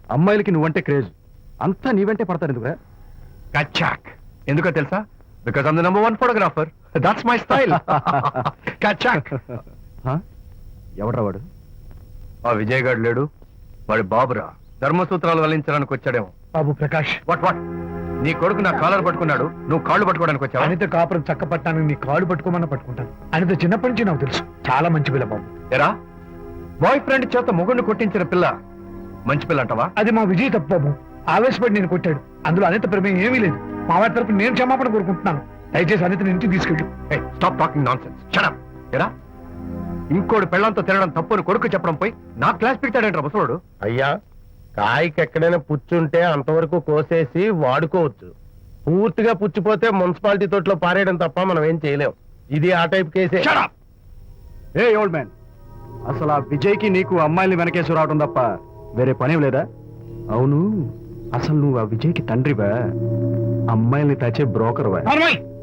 అమ్మాయిలకి నువ్వంటే క్రేజ్, అంతా నీవంటే పడతారు ఎందుకురా? కచాక్. ఎందుకో తెలుసా? Because I'm the number 1 photographer. That's my style. కచాక్. ఎవడ్రా వాడు? ఆ విజయ్ గారు లేడు, వాడి బాబురా. ధర్మసూత్రాలు వల్లించడానికి వచ్చాడేమో. బాబు ప్రకాష్, వాట్ వాట్? నీ కొడుకు నా కాలర్ పట్టుకున్నాడు, నువ్వు కాళ్ళు పట్టుకోవడానికి వచ్చావా? అనిత కాపురం చక్క పట్టానికి నీ కాళ్ళు పట్టుకోమన్నా పట్టుకుంటాను. అనిత చిన్నప్పటి నుంచి నాకు తెలుసు, చాలా మంచి పిల్ల బాబు. ఎరా, బాయ్ ఫ్రెండ్ చేత మొగుడిని కొట్టించిన పిల్ల మంచి పిల్ల అంటావా? అది మా విజయ్ తప్పు బాబు. ఆవేశపడి నేను కొట్టాడు. అందులో అనిత ప్రమేయం ఏమీ లేదు. మా వారి తరపు నేను క్షమాపణ కోరుకుంటున్నాను. దయచేసి అనితని ఇంటికి తీసుకెళ్ళు. Stop talking nonsense. Shut up. ఎరా, ఇంకోటి పెళ్ళంతో తినడం తప్పు అని కొడుకు చెప్పడం పోయి నా క్లాస్ పెడతాడంట ముసలోడు. అయ్యా, కాయకి ఎక్కడైనా పుచ్చుంటే అంతవరకు కోసేసి వాడుకోవచ్చు. పూర్తిగా పుచ్చిపోతే మున్సిపాలిటీ తోటలో పారేయడం తప్ప మనం ఏం చేయలేం. ఇది ఆ టైప్ కేసే. Shut up! A old man, అసలు ఆ విజయ్కి నీకు అమ్మాయిని వెనకేసి రావడం తప్ప వేరే పనేం లేదా? అవును, అసలు నువ్వు ఆ విజయ్కి తండ్రివా, అమ్మాయిల్ని తాచే బ్రోకర్వా?